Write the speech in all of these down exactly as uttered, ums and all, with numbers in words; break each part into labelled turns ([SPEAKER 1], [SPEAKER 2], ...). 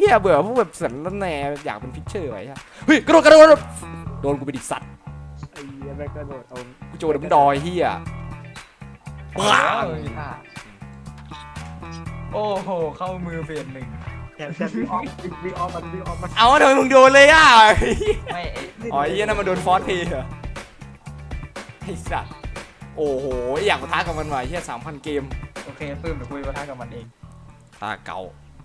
[SPEAKER 1] ฮียเบื่อพวกแบบสันละแหนอยากเป็นพิชเชอร์ไว้ฮะเฮ้ยกระโดดกระโดดโดนกูไปดิสัตว์
[SPEAKER 2] ไอ้เหี้ยแม่งกระโดดเอา
[SPEAKER 1] กูโจดับดอยเฮีย
[SPEAKER 3] โอ้ยท่าโอ้โหเข้ามือเปลี่ยนหนึ่ง
[SPEAKER 2] แถมแถมวิ่งออฟวิ่งออฟมันวิ่งออฟมัน
[SPEAKER 1] เอาทำไมมึงโดนเลยอ่ะ
[SPEAKER 3] ไม่ไอ้
[SPEAKER 1] อ๋อไอ้เฮียนั่นมันโดนฟอสเพย์เหรอไอ้สัตว์โอ้โหอยากมาท้ากับมันว่ะเฮียสามพันเกม
[SPEAKER 3] โอเคปื้มเดี๋ยวคุยปะทะกับมันเอง
[SPEAKER 1] ตาเก่า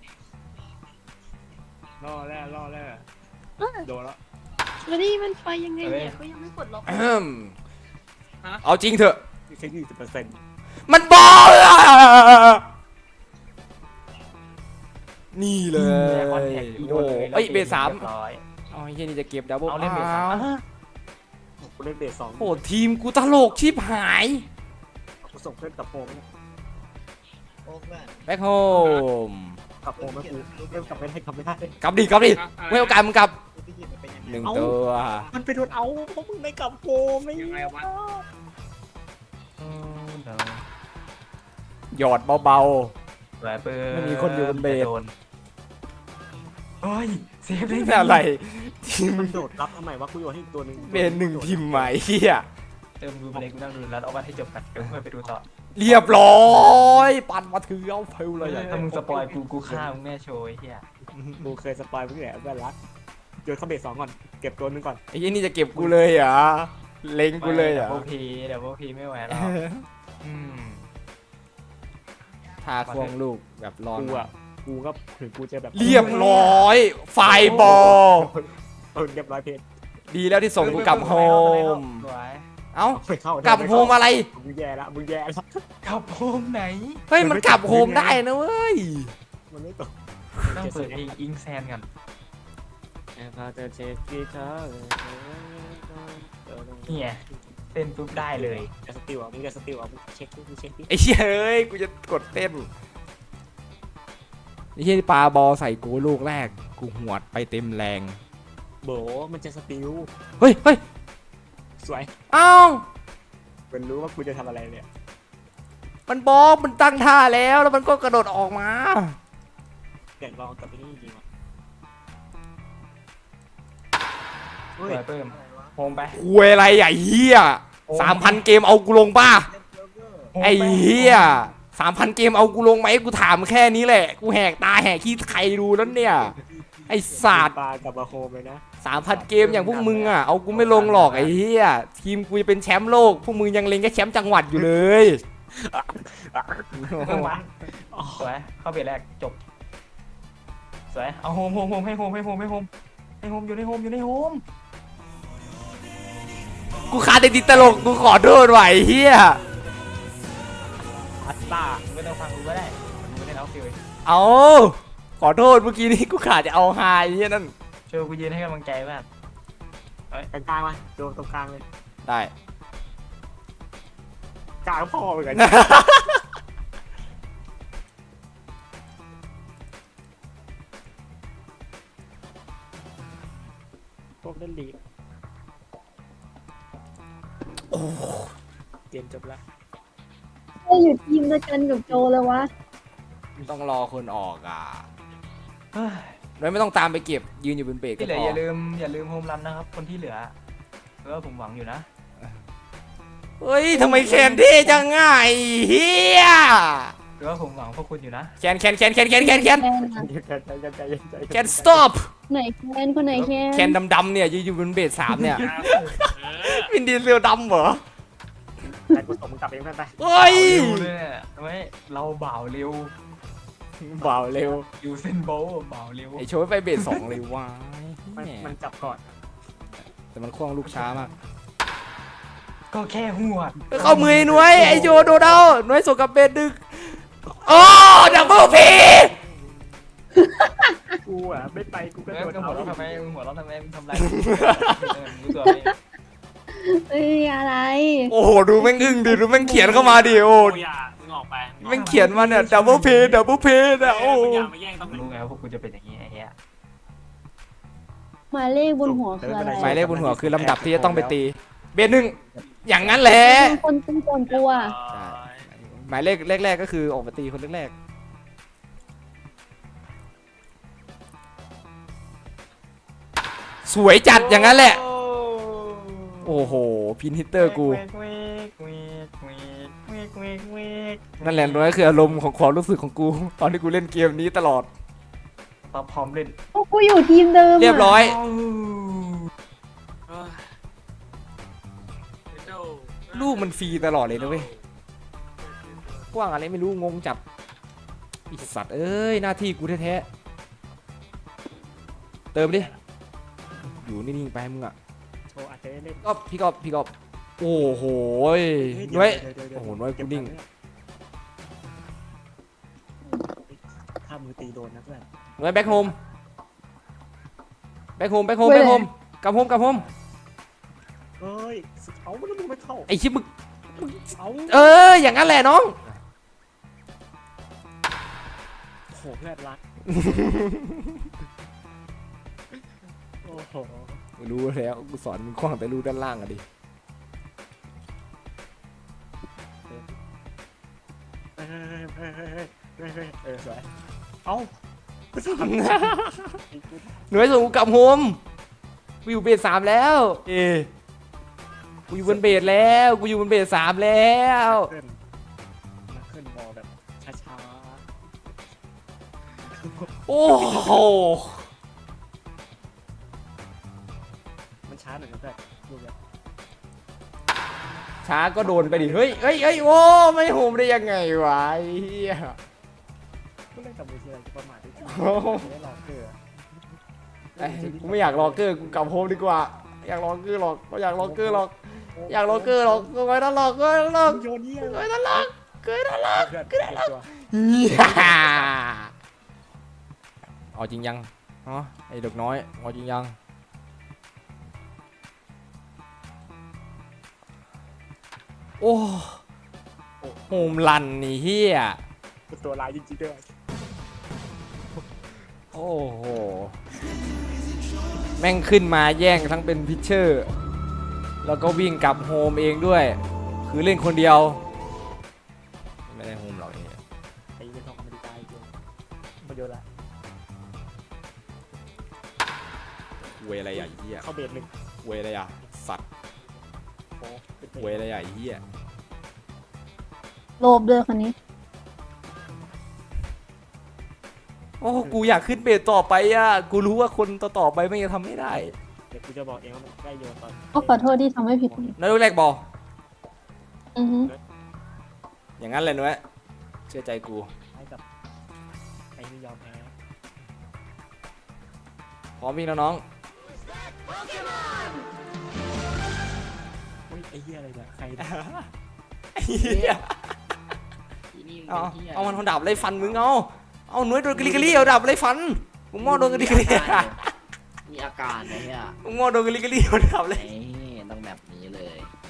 [SPEAKER 2] ล่อแร่ล่อแร่โดนแล้ว
[SPEAKER 4] แล้วนี่มันไฟยังไงเนี่ยก็ยังไม่กดล็อก
[SPEAKER 1] อืมเอาจริงเถอะ
[SPEAKER 2] แค่ยี่สิบเปอร์เซ็นต์
[SPEAKER 1] มันบอลอะนี่เลยโอ้เอ้ยเบสสาม
[SPEAKER 3] เรียบร้อย
[SPEAKER 1] เอาไอ้เฮียนี่จะเก็บดับเบิล
[SPEAKER 3] เอาเล่นเบสสาม
[SPEAKER 1] อ้ว
[SPEAKER 2] กูเล่นเบสสอง
[SPEAKER 1] โอ้ทีมกูตลกชิบหาย
[SPEAKER 2] กูส่งเพื่อนกับโฮม
[SPEAKER 5] โอ้เพื่อน
[SPEAKER 1] แบ็คโฮม
[SPEAKER 2] กับโฮมแล้วกูเล่นกับไม่ได้กับไม่ได้
[SPEAKER 1] กลับดิกลับดิไม่โอกาสมึงกลับ
[SPEAKER 5] พี่กินมันเป็นยังไง
[SPEAKER 1] หนึ่งตัว
[SPEAKER 2] มันไปโดนเอาเพราะมึงไม่กับโฮมไม่ยังไงวะ
[SPEAKER 3] โอ้เดี๋ยว
[SPEAKER 1] หยอดเบา
[SPEAKER 3] แหวนปื้
[SPEAKER 1] ไม่มีคนอยู่บนเบส
[SPEAKER 3] โดนเฮ้ยเซฟ
[SPEAKER 1] ๆ
[SPEAKER 3] ได้
[SPEAKER 1] นี่
[SPEAKER 3] ไง
[SPEAKER 1] อะไรทีม
[SPEAKER 2] มันโดดรับทำไมวะกูโยนให้อีกตัวหนึ่ง
[SPEAKER 1] เบนหนึ่งทีมใหม่เฮีย
[SPEAKER 3] เติมดูไปเลยกูนั่งดูแล้วเอาวันให้จบกันเดี๋ยวค่อยไปดูต่อ
[SPEAKER 1] เรียบร้อย ปั่นมาถือเอาเพลเลยอะ
[SPEAKER 3] ถ้ามึงสปอยกูกูฆ่ามึงแน่โชว์ไอ้เฮีย
[SPEAKER 2] กูเคยสปอยเมื่อไหร่เพื่อนรักโยนเข้าเบสสองก่อนเก็บตัวหนึงก่อน
[SPEAKER 1] ไอ้ยี่นี่จะเก็บกูเลยเหรอเล็งกูเลยเหรอ
[SPEAKER 3] โอพีเดี๋ยวโอพีไม่ไหวแล้วอืม
[SPEAKER 1] ทาควงลูกแบบร้อน
[SPEAKER 2] กูอ่ะกูก็ถึงกูจะแบบ
[SPEAKER 1] เรียบร้อย ไฟบอล
[SPEAKER 2] เออเรียบร้อยเพจ
[SPEAKER 1] ดีแล้วที่ส่งกูกลับโฮม
[SPEAKER 3] สวย
[SPEAKER 1] เอ้า
[SPEAKER 2] ไม่เข้าก
[SPEAKER 1] ลับโฮมอะไร
[SPEAKER 2] มึงแย่ละมึงแย่ละ
[SPEAKER 3] กลับโฮมไหน
[SPEAKER 1] เฮ้ยมันกลับโฮมได้นะเว้ย
[SPEAKER 2] มันไม่ตก
[SPEAKER 3] ต้องเปิดเพลงอิงแซนกัน
[SPEAKER 2] แอบพาเธอเช็คกีตาร์
[SPEAKER 3] เนี่ยเต้นปุ๊บได้เลย
[SPEAKER 2] จะสติลอ่ะมึงจะสติลอ่ะมึงเช็คมึงเช็คดิ
[SPEAKER 1] ไอ้เชี่ยเอ้ยกูจะกดเต้นไอ้เชี่ยที่ปาบอลใส่กูลูกแรกกูหวดไปเต็มแรง
[SPEAKER 2] โบมันจะสติล
[SPEAKER 1] เฮ้ยเฮ้ย
[SPEAKER 2] สวย
[SPEAKER 1] เอ้า
[SPEAKER 2] มันรู้ว่ากูจะทำอะไรเนี่ย
[SPEAKER 1] มันบอลมันตั้งท่าแล้วแล้วมันก็กระโดดออกมา
[SPEAKER 2] เดี๋ยวลองกับไอ้นี่จริงๆว่ะ
[SPEAKER 3] เฮ้ยเพิ่มโฮมไป
[SPEAKER 1] คุยอะไรอ่ะเฮียสามพันเกมเอากูลงป่ะ
[SPEAKER 3] โฮมป
[SPEAKER 1] ไอ้เฮียสามพันเกมเอากูลงไหมกูถามแค่นี้แหละ กูแหกตาแหกขี้ใครดูแล้วเนี่ย ไอ้ศาสตร์
[SPEAKER 2] ปลากับมาโฮมเลยนะ
[SPEAKER 1] สามพันเกมอย่างพวกมึงอ่ะ เอากูไม่ลงหรอกไอ้เฮียทีมกูจะเป็นแชมป์โลก พวกมึงยังเล็งแค่แชมป์จังหวัดอยู่เลย
[SPEAKER 3] เพิ่มมาสวยเข้าเบรแรกจบสวยเอาโฮมโฮมโฮมให้โฮมให้โฮมให้โฮมให้โฮมอยู่ในโฮมอยู่ในโฮม
[SPEAKER 1] กูขาดแต่ติดตลก กูขอโทษว่ะไอ้เฮีย
[SPEAKER 2] อัตตา
[SPEAKER 3] มึงไม่ต้องฟังกูก็ได้มึงไม่ได้เอาฟิล
[SPEAKER 1] เอาขอโทษเมื่อกี้นี้กูขาดจะเอาไฮไอ้เฮียนั่น
[SPEAKER 3] ช่วยกูยืนให้กำลังใจมาก
[SPEAKER 2] กลางกลางๆมาโดนตรงกลางเลย
[SPEAKER 1] ได้
[SPEAKER 2] กลางพ่อเหมือนกันพวกเล่นลีกโอ้เกมจบแล้ว
[SPEAKER 4] ก็อยู่ทีมเดียวกันกับโจเลยวะ
[SPEAKER 1] ต้องรอคนออกอ่ะ
[SPEAKER 3] เฮ้ย
[SPEAKER 1] โดยไม่ต้องตามไปเก็บยืนอยู่บนเบรกก็
[SPEAKER 3] ที่เหลื
[SPEAKER 1] พ
[SPEAKER 3] อ
[SPEAKER 1] อ
[SPEAKER 3] อย่าลืมอย่าลืมโฮมรันนะครับคนที่เหลือเออผมหวังอยู่นะ
[SPEAKER 1] เฮ้ยทำไมแคนที่จังง่ายเฮีย
[SPEAKER 3] หรือว่าผมหวังพวกคุณอยู่นะ
[SPEAKER 1] แคนแคนแคนแคนแคนแคนแคน
[SPEAKER 4] แคนอะ
[SPEAKER 2] ใจใจใจใจใจ
[SPEAKER 1] แคน stop
[SPEAKER 4] ไหนแคนคนไหนแคน
[SPEAKER 1] แคนดำๆเนี่ยยืนอยู่บนเบรกสามเนี่ยวินดีเซลดำเหรอ
[SPEAKER 2] แต่กูส่งมึงกลับเองเพื่อนไป
[SPEAKER 1] เฮ้ย
[SPEAKER 3] เร็วเลยเนี่ยทำไมเราเบาเร็ว
[SPEAKER 1] เบาเร็ว
[SPEAKER 3] ยูเซนโบลเบาเร็ว
[SPEAKER 1] ไอโชว์ไปเบรกสองเลยวะ
[SPEAKER 2] มัน
[SPEAKER 1] แหม
[SPEAKER 2] มันจับก่อน
[SPEAKER 1] แต่มันคล่องลูกช้ามาก
[SPEAKER 3] ก็แค่หัวด
[SPEAKER 1] เข้ามือไอ้หน่วยไอโจโดนเอาหน่วยส่งกับเบรดึกโอ้ดับเบิลพี
[SPEAKER 2] กูอ่ะไม่ไปกูก็
[SPEAKER 3] เอ้ย
[SPEAKER 2] โดน
[SPEAKER 3] มึงหั
[SPEAKER 2] เอา
[SPEAKER 3] วเราะทำไมมึงหัวเราะทำไมมึงทำไรเออมึงรู้ตัวไหม
[SPEAKER 4] เอ้ยอะไร
[SPEAKER 1] โอ้โหดูแม่งอึ้งดิดูแม่งเขียนเข้ามาดิโอ้
[SPEAKER 6] กูอย่ามึงออกไป
[SPEAKER 1] แม่งเขียนมาเนี่ยดับเบิลพีดับเบิลพีนะโอ้
[SPEAKER 6] มึงอย่ามาแย่งตำแหน่ง
[SPEAKER 3] รู้ไงว่าพวกกูจะเป็นอย่างนี้ไอ้เหี้ย
[SPEAKER 4] หมายเลขบนหัวคืออะไร
[SPEAKER 1] หมายเลขบนหัวคือลำดับที่จะต้องไปตีเบรหนึ่งอย่างนั้นแหละ
[SPEAKER 4] เป็นคนตีก่อนกูอะ
[SPEAKER 6] เออ
[SPEAKER 1] หมายเลขแรกๆก็คือออกมาตีคนแรกๆสวยจัดอย่างนั้นแหละโอ้โหพินฮิตเตอร์กูนั่นแหละนั่นคืออารมณ์ของความรู้สึกของกูตอนที่กูเล่นเกมนี้ตลอด
[SPEAKER 3] พอพร้อมเล่น
[SPEAKER 4] โอ้กูอยู่ทีมเดิมอะ
[SPEAKER 1] เรียบร้อย ลูกมันฟรีตลอดเลยนะเว้ยกว้างอะไรไม่รู้งงจับไอสัตว์เอ้ยหน้าที่กูแท้ๆเติมดิ อยู่นิ่งๆไปมึงอ่ะ
[SPEAKER 2] โชว์อาจจะได้เล่น
[SPEAKER 1] ก็พี่กอบพี่กอบโอ้โหย
[SPEAKER 2] เดี๋
[SPEAKER 1] น้อย
[SPEAKER 2] เดี๋วเดี๋ว
[SPEAKER 1] โอ้โหน้อยกูนิ่ง
[SPEAKER 2] ถ้ามือตีโดนนะเพื่อน
[SPEAKER 1] น้อยแบ็คโฮมแบ็คโฮมแบ็คโฮมแบ็คโฮมกลับโฮมกลับโฮม
[SPEAKER 2] เอ้ยเอาแล้วมึงไม่เข้า
[SPEAKER 1] ไอชิปมึง
[SPEAKER 2] เอา
[SPEAKER 1] เอออย่างนั้นแหละน้อง
[SPEAKER 2] โอ้โหเพื่อนรักโอ้โห
[SPEAKER 1] รู้แล้วกูสอนมึงคว้างแต่รู้ด้านล่างอะดิ
[SPEAKER 2] เฮ้ยเฮ้ยเฮ้ยเฮ้ยเฮ้ยเฮ้ยเออสวยเอากูทำ
[SPEAKER 1] หน่วยส่งกูกลับโฮมกูอยู่เบสสามแล้วเอกูอยู่บนเบสแล้วกูอยู่บนเบสสามแล้ว
[SPEAKER 2] ขึ้นมาขึ้นบอลแบบช้า
[SPEAKER 1] โอ้โห
[SPEAKER 2] ๆมันช้าหน่อยนะเพื่อนดูแบบ
[SPEAKER 1] ช้าก็โดนไปดิเฮ้ยเฮ้ยเฮ้ยโอ้ไม่โฮมได้ยังไงวะไอ้เหี้ย
[SPEAKER 2] กูเล่นกับมือทีไรกูประมาทด้วยกัน
[SPEAKER 1] โอ้โห
[SPEAKER 2] ไม่หลอกเกลือ
[SPEAKER 1] ไอ้กูไม่อยากรอเกอร์กูกลับโฮมดีกว่าอยากรอเกอร์หรอกไม่อยากรอเกอร์หรอกอยากรอเกอร์หรอกกูไม่ต้องรอกูไม่ต้องรอ
[SPEAKER 2] มึงโยนเยี่ย
[SPEAKER 1] กูไม่ต้องรอกูไม่ต้องรอ
[SPEAKER 2] เพื่อนเก็บตัว
[SPEAKER 1] เหี้ยเอาจริงยังอ๋อไอ้เด็กน้อยเอาจริงยังโอ้โฮมลันนี่เฮีย
[SPEAKER 2] เป็นตัวร้ายจริงๆด้วย
[SPEAKER 1] โอ้โหแม่งขึ้นมาแย่งทั้งเป็นพิชเชอร์แล้วก็วิ่งกลับโฮมเองด้วย คือเล่นคนเดียวไม่ได้โฮมหรอกนี่
[SPEAKER 2] ไอ้เรื่องของอเมริกาอีกเลยมาโยนละ
[SPEAKER 1] เวยอะไรอ่ะไอ้เหี้ย
[SPEAKER 2] เข้าเบสหนึ่ง
[SPEAKER 1] เวยอะไรอ่ะสัตว์
[SPEAKER 2] โอ้เป็นเบ
[SPEAKER 1] เวย
[SPEAKER 2] ส
[SPEAKER 1] อะไรอ่ะไอ้เหี้ย
[SPEAKER 4] โลบด้วยคนนี้
[SPEAKER 1] โอ้กูอยากขึ้นเบสต่อไปอ่ะกูรู้ว่าคนต่อต่อๆไปไม่จะทำไม่ได้
[SPEAKER 2] เดี๋ยวกูจะบอกเองว่ามันใกล้โยนตอน
[SPEAKER 4] ก็ขอโทษที่ทำให้ผิด
[SPEAKER 1] แล้วลูกแรกบอล
[SPEAKER 4] อือฮึ
[SPEAKER 1] อย่างนั้นเลยนุ้ยเชื่อใจกู
[SPEAKER 2] ให้กับไอ้นี่ยอมแพ้
[SPEAKER 1] พร้อมวิ่งแล้วน้อง
[SPEAKER 2] อุ้ยไอ้เหี้ยอะไรเนี่ยใครเนี่ย
[SPEAKER 1] ไอ้เหี้ย
[SPEAKER 5] อีนี่มึง
[SPEAKER 1] เอา
[SPEAKER 5] เป็นหี้ย
[SPEAKER 1] เอามันเอาดาบไล่ฟันมึงเอาเอาหนุ่ยโดนกะลิกะลี่เอาดาบไล่ฟันมึงมอโดนกะลิกะลี่
[SPEAKER 5] มีอาการไอ้เหี้ย
[SPEAKER 1] มึงมอโดนกะลิกะลี่เอาดาบ
[SPEAKER 5] ไหน
[SPEAKER 1] ไล่
[SPEAKER 5] ต้องแบบนี้เลย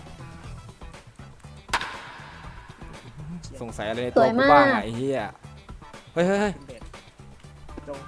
[SPEAKER 1] สงสัยอะไรในตัวกูบ้างอะไอ้เหี้ยเฮ้ยเฮ้ยเฮ้ย
[SPEAKER 2] เป็นเบสโจง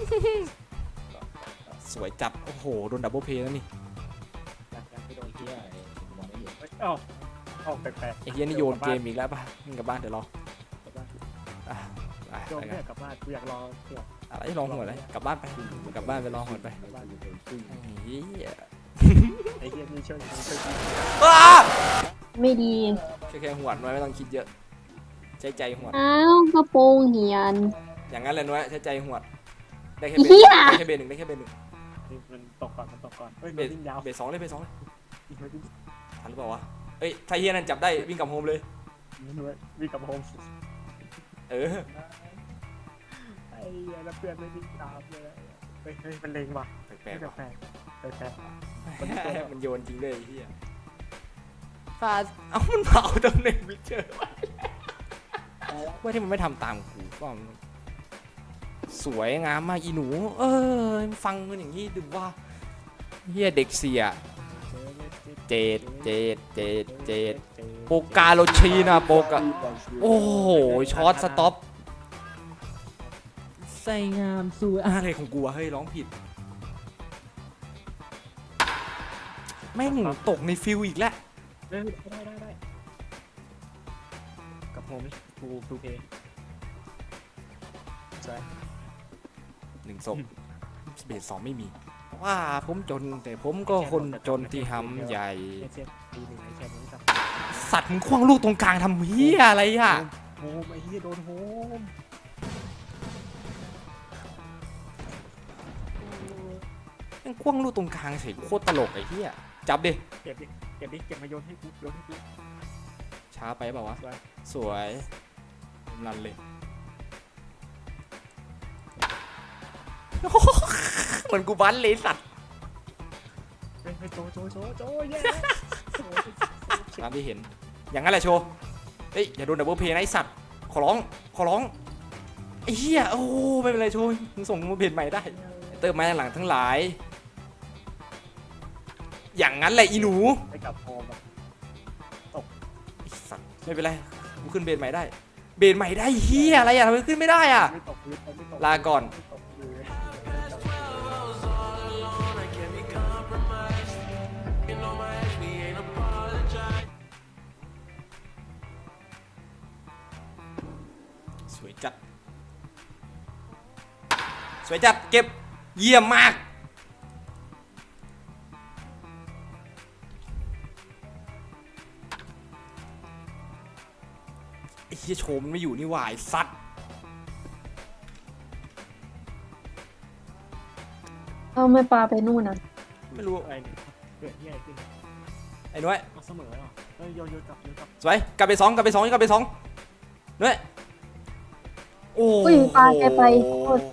[SPEAKER 1] สวยจัดโอ้โหโดนดับเบิลเพย์แล้วนี่
[SPEAKER 2] หลังจากไปโดน
[SPEAKER 5] เหี้ยอะไรมองไม่เห็น
[SPEAKER 2] เอ้ยเอ้าเอ้าแปลกๆ
[SPEAKER 1] ไอ้เหี้ยนี่โยนเกมอีกแล้วป่ะมึงกลับบ้านเดี๋ยวรอก
[SPEAKER 2] ลับบ้าน
[SPEAKER 1] อ่ะไป
[SPEAKER 2] โจง
[SPEAKER 1] ไป
[SPEAKER 2] เนี่
[SPEAKER 1] กั
[SPEAKER 2] ย
[SPEAKER 1] น
[SPEAKER 2] กลับบ้านกูอยากรอเผื่อ
[SPEAKER 1] อะไรลองหัวเลยกลับบ้านไปกลับบ้านไปลองหัวไป
[SPEAKER 2] กลับบ้าน
[SPEAKER 1] ไอ้เหี้ย
[SPEAKER 2] ไอ้เหี้ยนี่ช่วยช่วยช่วย
[SPEAKER 1] อ้า
[SPEAKER 4] ไม่ดี
[SPEAKER 1] แค่แค่หัวน้อยไม่ต้องคิดเยอะใช้ใจหัว
[SPEAKER 4] อ้าวกระโปรงเหียน
[SPEAKER 1] อย่างนั้นเลยน้อยใช้ใจหัวได้แค่
[SPEAKER 4] อี
[SPEAKER 1] เบ
[SPEAKER 4] เหี้
[SPEAKER 1] น
[SPEAKER 4] ย
[SPEAKER 1] ได้แค่เบนหนึ่งได้แค่เบนหนึ่ง
[SPEAKER 2] นี่มันตกก่อนมันตกก่อนเฮ้ย
[SPEAKER 1] เบ
[SPEAKER 2] มัน
[SPEAKER 1] ส
[SPEAKER 2] วิ่งยาว
[SPEAKER 1] เบสสองเลยเบสสองเลย
[SPEAKER 2] มันวิ่ง
[SPEAKER 1] ทันหรือเปล่าวะเอ้ยถ้าเฮียนั่นจับได้วิ่งกลับโฮมเลย
[SPEAKER 2] วิ่งกลับโฮม
[SPEAKER 1] เออ
[SPEAKER 2] ไอ้เหี้ยแล้วเพื่อนไม่วิ่งตามเลยเฮ้ยเฮ้ยมันเลงว่ะ
[SPEAKER 1] แปลกๆ
[SPEAKER 2] แปล
[SPEAKER 1] ว่ะ
[SPEAKER 2] กแปลกแปลกแปลก
[SPEAKER 1] มันโยนจริงเลยไอ้เฮียฟาดเอ้ามันเผาตำแหน่งวิเชอร์ว่าที่มันไม่ทำตามกูก็สวยงามมากอีหนู เออฟังกันอย่างนี้ดูว่าเฮียเด็กเสียเจดเจดเจดเจดโปกาโลชีนะโปกาโอ้โหช็อตสต็อปใส่งามสวยอะไรของกูวะเฮ้ยร้องผิดแม่งตกในฟิลอีกแล้ว
[SPEAKER 2] ได้ได้ได้ได้กับโฮมทูทูเพย์ใช่
[SPEAKER 1] หนึ่งศพเบสสองไม่มี
[SPEAKER 2] เ
[SPEAKER 1] ว่าผมจนแต่ผมก็คนจนที่หำใหญ่
[SPEAKER 2] เช่นปีหนึ่งไอ้แค่นี้สัก
[SPEAKER 1] สัตว์มึงคว้างลูกตรงกลางทำเฮียอะไรอ่ะ
[SPEAKER 2] โฮมไอ้เหี้ยโดนโฮม
[SPEAKER 1] แม่งคว้างลูกตรงกลางเฉยโคตรตลกไอ้เฮียจับดิ
[SPEAKER 2] เก็บดิเก็บดิเก็บมาโยนให้กูโยนให้กู
[SPEAKER 1] ช้าไปเปล่าวะ
[SPEAKER 2] สวย
[SPEAKER 1] สวยรันเลย เหมือนกูบันเลยสัตว์
[SPEAKER 2] เฮ้ยเฮ้ยโจโจโจโจแย่
[SPEAKER 1] ตามที่เห็น อย่างนั้นแหละโชว์เฮ้ยอย่าโดนดับเบิลเพย์นะไอสัตว์ขอร้องขอร้องไอ้เหี้ยโอ้ไม่เป็นไรโชว์มึงส่งมาเพจใหม่ได้เติมมาหลังทั้งหลาย อย่างนั้นแหละอีหนู
[SPEAKER 2] ไปกับโฮมแบบ
[SPEAKER 1] ไอ้สัตว์ไม่เป็นไรกูขึ้นเบนใหม่ได้ เบนใหม่ได้เหี้ยอะไรอ่ะทำไมขึ้นไม่ได้อ่ะ
[SPEAKER 2] ไม่ตกพื้นไม่ตก
[SPEAKER 1] ลาก่อน
[SPEAKER 2] ไม่ตกพื้น
[SPEAKER 1] สวยจัด สวยจัด เก็บ เยี่ยมมาก ไอ้เหี้ยโชมมันไม่อยู่นี่หว่าไอ้สัตว์
[SPEAKER 4] เอาไม่ปลาไปนู่นนะ
[SPEAKER 1] ไม่รู้
[SPEAKER 2] อะไรเนี่ยเกิดที่ไหนขึ้น
[SPEAKER 1] ไอ้น้อย
[SPEAKER 2] เอาเสมอเหรอเฮ้ยโยนโยนกลับโยนกลับ
[SPEAKER 1] สวย กลับไปสองกลับไปสองกลับไปสองน้อยโอ้
[SPEAKER 4] อุ้ยปลาแกไปโคตร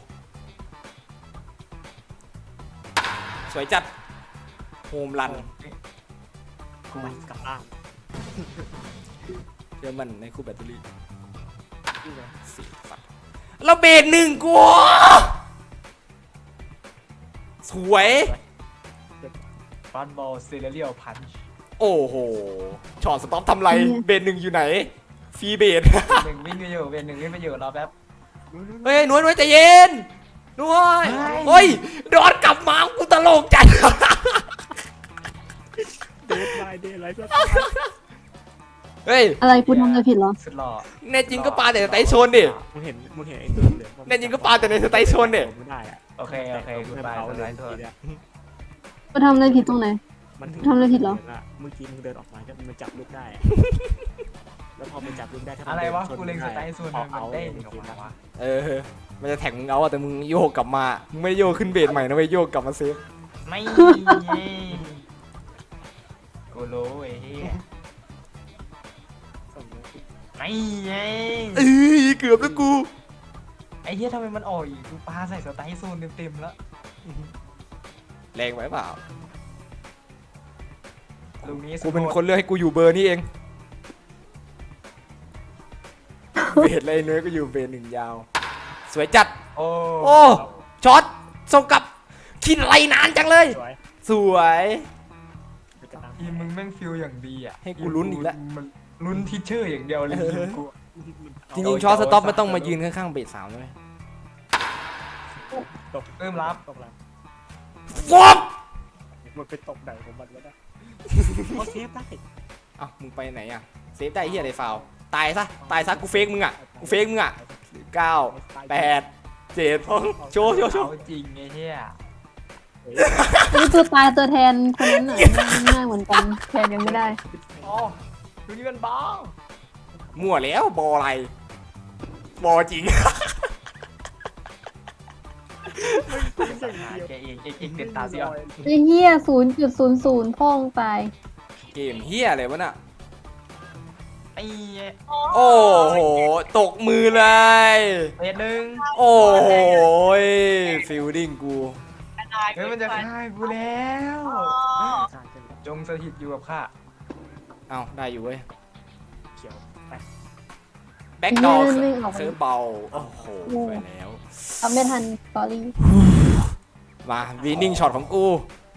[SPEAKER 1] สวยจัด โฮมรัน
[SPEAKER 2] กูกลับล่าง
[SPEAKER 1] เชื่อมันในคู่แบตเตอรี่
[SPEAKER 2] นี่เลย
[SPEAKER 1] สี่สัตว์แล้วเบสหนึ่งกู สวย
[SPEAKER 3] ฟันบอลเซเรียลพันช์
[SPEAKER 1] โอ้โหช็อตสต็อปทำไร เบสหนึ่งอยู่ไหน ฟรีเบส
[SPEAKER 3] หนึ่งวิ่งไปอยู่เป็นหนึ่งวิ่งไปอยู่รอแป๊บ
[SPEAKER 1] เฮ้ยหน่วยหน่วยใจเย็นหน่วย
[SPEAKER 3] เฮ้ย
[SPEAKER 1] เฮ้ยดอนกลับมากูตลกจัด
[SPEAKER 2] เดทไลน์เดทไลน์สัก
[SPEAKER 1] เฮ้ย
[SPEAKER 4] อะไรกูทำอะไรผิดเหรอ
[SPEAKER 3] สุดหล่อ
[SPEAKER 1] แน่จริงก็ปาแต่สไตล์โซนดิ
[SPEAKER 2] มึงเห็นมึงเห็นไอ้ตัวเหลือง
[SPEAKER 1] แน่จริงก็ปาแต่ในสไตล์โซนดิ
[SPEAKER 2] ไม่ได้อะ
[SPEAKER 3] โอเคโอเคกูไปสไลด์โทษ
[SPEAKER 4] กูทำอะไรผิดตรงไหน
[SPEAKER 2] มันถึง
[SPEAKER 4] ทำอะไรผิดเหรอ
[SPEAKER 2] เมื่อกี้มึงเดินออกมาก็มันจับลูกได้อะแล้วพอมันจับลูกได้ถ้ามัน
[SPEAKER 3] อะไรวะ
[SPEAKER 2] ดินชน
[SPEAKER 3] กูเล็งสไตล์โซน
[SPEAKER 2] เอา
[SPEAKER 3] มัน
[SPEAKER 2] เอา
[SPEAKER 3] ได้
[SPEAKER 2] เมื่
[SPEAKER 3] อ
[SPEAKER 2] อ
[SPEAKER 3] อก
[SPEAKER 2] กี้
[SPEAKER 3] มา
[SPEAKER 2] นะ
[SPEAKER 3] วะ
[SPEAKER 1] เออมันจะแท็กมึงเอาอะแต่มึงโยกกลับมามึงไม่ได้โยกขึ้นเบสใหม่นะไม่โยกกลับมาเซฟ
[SPEAKER 3] ไม่กูรู้ไอ้เหี้ย
[SPEAKER 2] สมมติ
[SPEAKER 3] ไม่ไง
[SPEAKER 1] เอ้ยเกือบแล้วกู
[SPEAKER 3] ไอ้เหี้ยทำไมมันออกอีกกูปาใส่สไตล์โซนเต็มๆแล้ว
[SPEAKER 1] แรงไปเปล่า
[SPEAKER 3] ลูกนี้
[SPEAKER 1] กูเป็นคนเลือกให้กูอยู่เบอร์นี้เอง เบสเลยเนื้อก็อยู่เบสหนึ่งยาว สวยจัด
[SPEAKER 3] โอ้
[SPEAKER 1] โอ้ช็อตส่งกลับคิดอะไรนานจังเลย
[SPEAKER 2] สวย
[SPEAKER 1] สวย
[SPEAKER 2] ไปกระตัง
[SPEAKER 3] ทีมมึงแม่งฟิลอย่างดีอ่ะ
[SPEAKER 1] ให้กูลุ้นอีกแล้ว
[SPEAKER 3] มันลุ้นทิชเชอร์อย่างเดียวเลยทีมกู
[SPEAKER 1] จริงๆช็อตสต็อปมันต้องมายืนข้างๆเบสสามด้วย
[SPEAKER 2] ตก
[SPEAKER 3] เริ่มรับ
[SPEAKER 2] ตกแล้ว
[SPEAKER 1] ฟอบ
[SPEAKER 2] มันไปตกไหนของมันวะเนี่ยเขาเซฟได้
[SPEAKER 1] เอ้ามึงไปไหนอ่ะเซฟได้เฮียอะไรฟาวตายซะตายซะกูเฟกมึงอ่ะกูเฟกมึงอ่ะเก้าแปดเจ็ดโชว์โชว์โชว์
[SPEAKER 3] เอาจริงไอ้เหี้ย
[SPEAKER 4] นี่ตัวตายตัวแทนคนนั้นน่ะง่ายเหมือนกันแทนยังไม่ได้
[SPEAKER 3] อ๋อดูนี่มันบ้า
[SPEAKER 1] มั่วแล้วบออะไรบอจริง
[SPEAKER 3] แกเองเองเองเด็ดตาเสีย
[SPEAKER 4] ไอ้เหี้ยศูนย์จุดศูนย์ศูนย์พ่องตาย
[SPEAKER 1] เกมเฮียอะไรวะน่ะ
[SPEAKER 3] ไอ้
[SPEAKER 1] โอ้โหตกมือเลย
[SPEAKER 3] เอ็ดหนึ่ง
[SPEAKER 1] โอ้โหฟิลดิ้งกู
[SPEAKER 3] เฮ้ยมันจะฆ่ากูแล้ว จงสถิตอยู่กับข้า
[SPEAKER 1] เอาได้อยู่เว้ย
[SPEAKER 2] เขียวไป
[SPEAKER 1] แบ็กดอลเซิร์ฟเบาโอ้โหไปแล้ว
[SPEAKER 4] ทำไม่ทันสอรี่
[SPEAKER 1] มาวีนิ่งช็อตของกู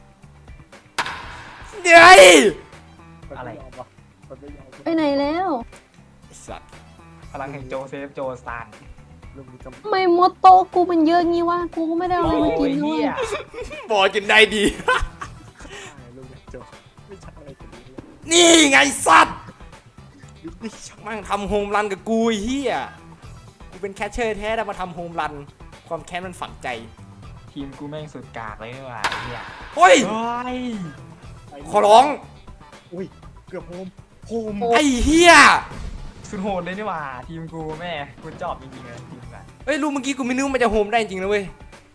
[SPEAKER 1] เดี๋ยว
[SPEAKER 3] อะไร
[SPEAKER 2] มันไม่ยอม
[SPEAKER 4] ไปไหนแล้ว
[SPEAKER 1] ไอ้สัตว์
[SPEAKER 3] พลังแห่งโจเซฟโจสตาน
[SPEAKER 2] ลูกนี้ก็
[SPEAKER 4] ทำไมมดโตกูมันเยอะงี้วะกูก็ไม่ได้เอาอะไรมากินด้วย
[SPEAKER 1] บอจนได้ดี
[SPEAKER 2] ลูกนี้โจไม่ใช่อะไรกันนี้เลย
[SPEAKER 1] นี่ไงสัตว์
[SPEAKER 2] ลูกนี้ชอบ
[SPEAKER 1] มั่งทำโฮมรันกับกูไอ้เฮียกูเป็นแคชเชอร์แท้แต่มาทำโฮมรัน ความแค้นมันฝังใจ
[SPEAKER 3] ทีมกูแม่งสุดกากเลยนี่หว่าไอ้เหี้ย
[SPEAKER 1] เฮ้ย
[SPEAKER 3] เฮ้ย
[SPEAKER 1] ขอร้อง
[SPEAKER 2] อุ้ยเกือบโฮมโฮม
[SPEAKER 1] ไอ้เฮีย
[SPEAKER 3] สุดโหดเลยนี่หว่าทีมกูแม่กูจอบจริงๆเลยทีมกัน
[SPEAKER 1] เฮ้ยรู้เมื่อกี้กูไม่นึกว่ามันจะโฮมได้จริงนะเว้ย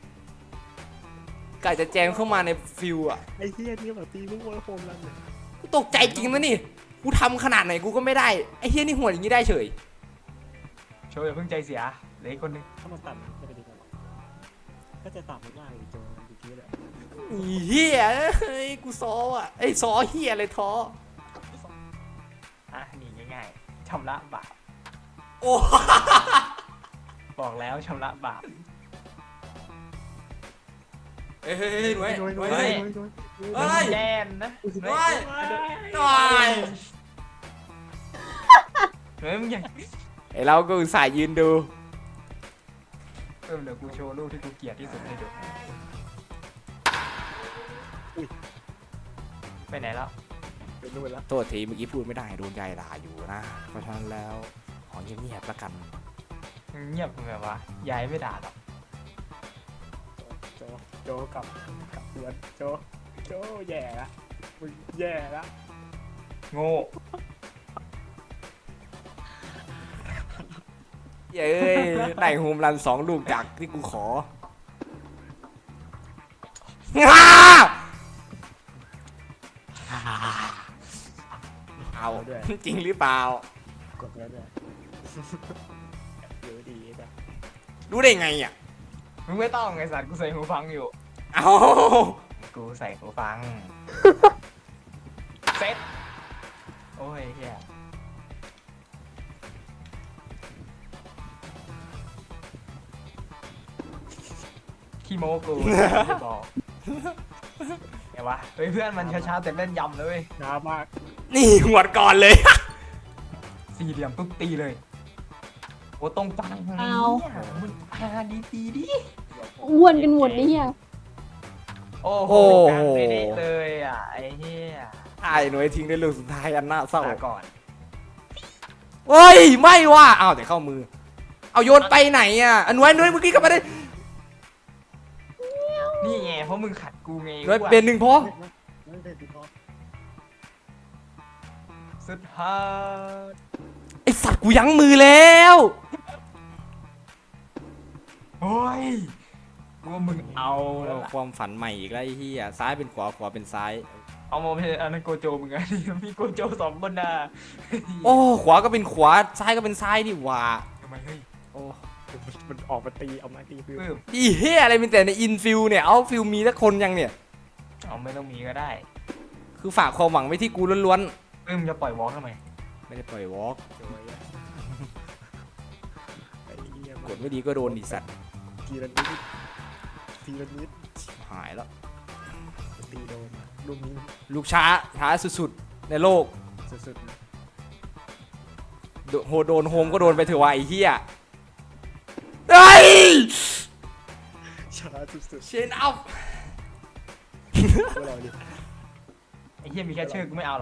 [SPEAKER 1] กะจะแจมเข้ามาในฟิวอ่ะ
[SPEAKER 2] ไอ้เหี้ยนี่แบบตีลูกโวยโฮมแล้วเนี่ย
[SPEAKER 1] กูตกใจจริงนะนี่กูทำขนาดไหนกูก็ไม่ได้ไอ้เฮียนี่หัวอย่างนี้ได้เฉย
[SPEAKER 3] โชว์อย่าเพิ่งใจเสียเหลืออีกคนนึง
[SPEAKER 2] ถ้ามันตัดจะเป็นยังไงวะก็จะตัดไม่ได้เลยโจเมื่อกี้เลย
[SPEAKER 1] อีเฮียเฮ้ยกูซ้ออ่ะไอ้ยซ้อเฮียอะไรท้อ
[SPEAKER 3] อ่ะหนีง่ายๆชำระบาป
[SPEAKER 1] โอ้
[SPEAKER 3] บอกแล้วชำระบาป
[SPEAKER 1] เฮ้ยเฮ้ยเฮ้ยหน่วย
[SPEAKER 2] โดย
[SPEAKER 1] ห
[SPEAKER 2] โด
[SPEAKER 1] น่วย ยเฮ้ย
[SPEAKER 2] โดย
[SPEAKER 1] เฮ้ย
[SPEAKER 3] แย่นนะ
[SPEAKER 1] หน่วยหน่วย
[SPEAKER 3] เฮ้ยมึงอย่า
[SPEAKER 1] ไอ้เราก็อุตส่าห์ยืนดู
[SPEAKER 3] เออเดี๋ยวกูโชว์รูปที่กูเกลียดที่สุดให้ดูไปไหนแล้ว
[SPEAKER 2] เป็นนู่นแล้ว
[SPEAKER 1] โทษทีเมื่อกี้พูดไม่ได้โดนยายด่าอยู่นะเพราะฉะนั้นแล้วขอเงียบๆแล้วกัน
[SPEAKER 3] เงียบมึงแบบว่ายายไม่ด่าหรอก
[SPEAKER 2] โจโจกลับกลับเพื่อนโจโจแย่ละมึงแย่ละ
[SPEAKER 3] โง่
[SPEAKER 1] เย้ยได้โฮมรันสองลูกจากที่กูของ้าเอาจริงหรือเปล่าก
[SPEAKER 2] ดแล้วด้วยเดี๋ยวดีจ้ะ
[SPEAKER 1] รู้ได้ไงอ่ะ
[SPEAKER 3] มึงไม่ต้องไงสัตว์กูใส่หูฟังอยู่
[SPEAKER 1] เอา
[SPEAKER 3] กูใส่หูฟัง เซ็ตโอ้ยเฮียขี้โมกูไม่บอกไงวะเฮ้ยเพื่อนมันช้าๆแต่แม่นยำเลยเว้ย
[SPEAKER 2] ช้ามาก
[SPEAKER 1] นี่หวดก่อนเลย
[SPEAKER 3] สี่เหลี่ยมปุ๊บตีเลยโอ้ตรงกลาง
[SPEAKER 4] เอา
[SPEAKER 3] มึงอ่าดีตีดิ
[SPEAKER 4] อ้วนกันหมดนี่เฮีย
[SPEAKER 3] โอ้โหกลางเด๊ะๆเลยอ่ะไอ้เหี้ย
[SPEAKER 1] ไอ้หน่วยทิ้งได้ลูกสุดท้ายอันน่าเศร้า
[SPEAKER 3] ลาก่อน
[SPEAKER 1] เฮ้ยไม่ว่ะอ้าวแต่เข้ามือ เอาโยนไปไหนอ่ะอันหน่วยหน่วยเมื่อกี้ก็ไม่ได้
[SPEAKER 3] นี่ไงเพราะมึงขัดกูไง
[SPEAKER 1] หน่วยเป็นหนึ่งพอ
[SPEAKER 2] ไม่เป็นดีพอ
[SPEAKER 3] สุดฮาร์ด
[SPEAKER 1] ไอสัตว์กูยั้งมือแล้ว
[SPEAKER 3] โอ้ยกูว่ามึงเอาแล้วล่ะ
[SPEAKER 1] ความฝันใหม่อีกแล้วไอ้เหี้ยซ้ายเป็นขวาขวาเป็นซ้าย
[SPEAKER 3] เอามาเป็นอันนั้นโกโจมึงไง มีโกโจสองคนน่ะ
[SPEAKER 1] โอ้ขวาก็เป็นขวาซ้ายก็เป็นซ้ายนี่หว่า
[SPEAKER 3] ทำไมเฮ้ย
[SPEAKER 1] โอ้
[SPEAKER 2] มันออกมาตีเอามาตีฟิว
[SPEAKER 3] ปื้ม
[SPEAKER 1] อีเหี้ยอะไรมีแต่ในอินฟิลเนี่ยเอาฟิลมีสักคนยังเนี่ย
[SPEAKER 3] เอาไม่ต้องมีก็ได้
[SPEAKER 1] คือฝากความหวังไว้ที่กูล้วน
[SPEAKER 3] ปื้มจะปล่อยวอล์กทำไม
[SPEAKER 1] ๆไม่ได้ปล่อยวอล์ก
[SPEAKER 2] โจยอะไอ้เหี้ย
[SPEAKER 1] กดไม่ดีก็โดนดิสัตว์
[SPEAKER 2] ทีละนิดทีละนิด
[SPEAKER 1] หายแล้ว
[SPEAKER 2] ตีโดนลูกนี้
[SPEAKER 1] ลูกช้าช้าสุดๆในโลก
[SPEAKER 2] สุดๆนะ
[SPEAKER 1] โดโหโดนโฮมก็โดนไปเถอะวะไอ้เหี้ยเฮ้ย
[SPEAKER 2] ช้าสุด
[SPEAKER 1] เชนอัพ
[SPEAKER 2] ๆพวกเราดิ
[SPEAKER 3] ไอ้เหี้ยมีแค่ชื่อกูไม่เอาหรอก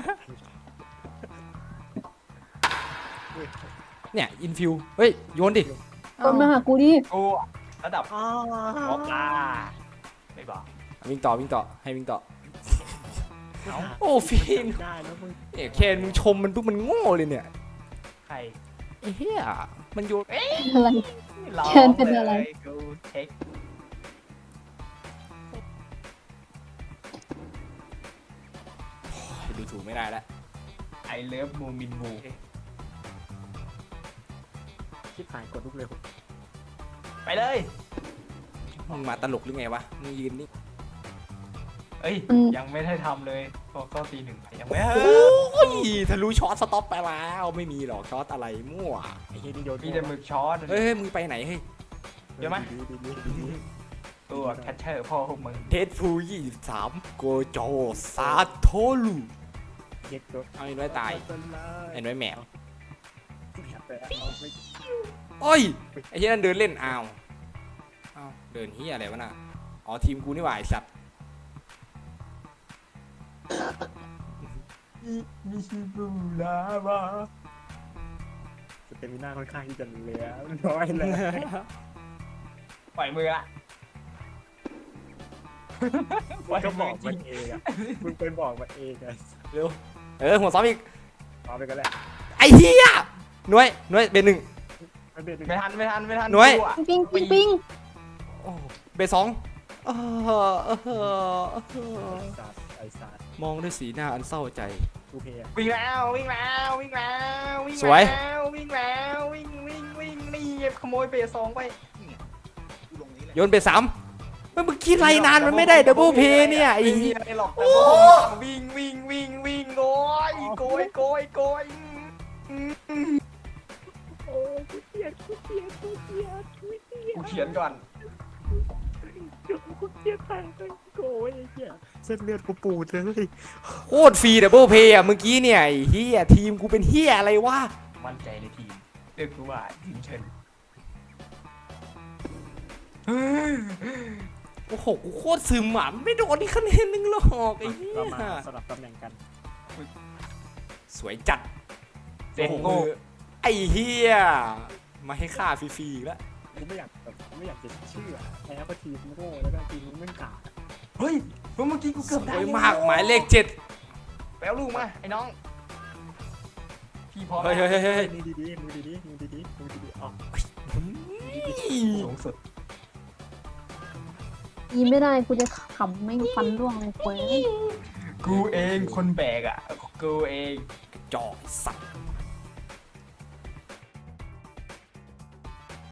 [SPEAKER 2] เฮ้ย
[SPEAKER 1] เนี่ยอินฟิลเฮ้ยโยนดิ
[SPEAKER 4] คนมาหากูดิ
[SPEAKER 3] กูระดับ
[SPEAKER 2] อ้าว
[SPEAKER 3] วอล์กอ่าไม่บอก
[SPEAKER 1] วิ่งต่อวิ่งต่อให้วิ่งต่อ
[SPEAKER 3] เอา
[SPEAKER 1] โอ้ฟิน
[SPEAKER 2] ได้แล้วมึง
[SPEAKER 1] เอ้ยเคนมึงชมมันปุ๊บมันโง่เลยเนี่ย
[SPEAKER 3] ใคร
[SPEAKER 1] ไอ้เหี้ยมันโยน
[SPEAKER 4] อะไร
[SPEAKER 3] ร้อง
[SPEAKER 4] เชิญเป็นอะไร
[SPEAKER 3] ลยกูเช็ค
[SPEAKER 1] ดูถูกไม่ได้แล้ว
[SPEAKER 3] ไอเลิฟมูมินมู
[SPEAKER 2] ชิบหายกดลูกเร็ว
[SPEAKER 3] ไปเลย
[SPEAKER 1] มึงมาตลกหรือไงวะมึงยืนนี่
[SPEAKER 3] เอ้ย
[SPEAKER 4] อืม
[SPEAKER 3] ยังไม่ได้ทำเลยก็ก็ตีหนึ่งไปยังไม่
[SPEAKER 1] โอ้ยทะลุช็อตสต็อปไปแล้วไม่มีหรอกช็อตอะไรมั่ว
[SPEAKER 2] ไอ้เหี้ยนี่โยน
[SPEAKER 3] มีแต่หมึกช้อน
[SPEAKER 1] เฮ้ยเฮ้ยมึงไปไหนเฮ้ย
[SPEAKER 3] เดี๋ยวมั้ย
[SPEAKER 2] ดีดีดีดีดี
[SPEAKER 3] ตัวแคชเชอร์พ่อพวกมึง
[SPEAKER 1] เทสฟูยี่สามโกโจซาโทลู
[SPEAKER 2] เย็ดตัว
[SPEAKER 1] เอาไอ้น้อยตายไอ้น้อยแมว
[SPEAKER 2] แต่เอาไม่
[SPEAKER 1] โอ้ยไอ้เหี้ยนั่นเดินเล่นอ้าวอ้าวเดินเหี้ยอะไรวะน่ะอ๋อทีมกูนี่หว่าไอ้สัตว์
[SPEAKER 3] มิชิบูลาวา
[SPEAKER 2] สเตมิน่าค่อนข้างที่จะเหลือน้อยเลย
[SPEAKER 3] ปล่อยมือละ
[SPEAKER 2] มึงก็บอกมันเองอ่ะมึงไปบอกมันเองไง
[SPEAKER 1] เร็วเออหัวซ้อมอีก
[SPEAKER 2] เอาไปกันแหละ
[SPEAKER 1] ไอ้เหี้ยหน่วยหน่วยเบนหนึ่ง
[SPEAKER 2] ไม่เป็น
[SPEAKER 3] ไม่ทันไม่ทันไม่ทัน
[SPEAKER 1] หน่วย
[SPEAKER 3] กูอะ
[SPEAKER 4] ปิ้งปิ้งปิ้ง
[SPEAKER 1] โอ้เบนสองเออเออเออ
[SPEAKER 2] ไอ้สัตว์ไอ้สัตว์
[SPEAKER 1] มองด้วยสีหน้าอันเศร้าใจ
[SPEAKER 2] กูเพย์
[SPEAKER 3] วิ่งแล้ววิ่งแล้ววิ่งแล้ววิ่ง
[SPEAKER 1] สวย
[SPEAKER 3] แล้ววิ่งแล้ววิ่งวิ่งวิ่งนี่ขโมยเบสสองไป
[SPEAKER 1] โยนเบนสามเมื่อกี้ไรนานมันไม่ได้ดับเบิลเพย์เนี่ยไอ้
[SPEAKER 3] ไม่มี
[SPEAKER 1] เหี้ย
[SPEAKER 3] อะไรหรอกแต่ผมวิ่งวิ่งวิ่งวิ่งโกยโกยโกยโกย
[SPEAKER 2] โอ้กูเกลียดกูเกลียดกูเกลียดกูเกลียด
[SPEAKER 3] กูเขียนก่อน
[SPEAKER 2] กูเกลียดแทงเลยโอ้ยไอ้เหี้ยเส้นเลือดกูปูดเลย
[SPEAKER 1] โคตรฟรีดับเบิลเพย์อ่ะเมื่อกี้เนี่ยไอ้เหี้ยทีมกูเป็นเหี้ยอะไรวะ
[SPEAKER 3] มั่นใจในทีมเลือกกูว่าทีมเชิญ
[SPEAKER 1] โอ้โหกูโคตรซึมอ่ะไม่โดนนี่คะแนนนึงหรอกไอ้เหี้
[SPEAKER 2] เรามาย สลับตำแหน่งกัน
[SPEAKER 1] สวยจัด
[SPEAKER 3] เซ็ง
[SPEAKER 1] โอ้โห
[SPEAKER 3] โง่
[SPEAKER 1] ไอ้เหี้ยมาให้ค่าฟรีๆอีกแล้ว
[SPEAKER 2] กูไม่อยากแบบไม่อยากจะเชื่อแพ้เพราะทีมโง่แล้วก็ทีมมึงกาด
[SPEAKER 3] เฮ้ยเมื่อกี้กู
[SPEAKER 1] ส
[SPEAKER 3] เกือบ
[SPEAKER 1] ว
[SPEAKER 3] ได้
[SPEAKER 1] ยมากหมายเลขเจ็ด
[SPEAKER 3] แปลลูกมาไอ้น้องพี่พร้อม
[SPEAKER 1] เฮ้ยเฮ้ยเฮ้ยเฮ้ย
[SPEAKER 2] มือดีๆมือดีๆมือดีๆมือดีๆอ๋อ
[SPEAKER 3] สูงสุด
[SPEAKER 4] ยีไม่ได้กูจะขำไม่ฟันร่วงเลยเว้ย
[SPEAKER 3] กูเองคนแบกอ่ะกูเอง
[SPEAKER 1] จอกไอ้สัตว์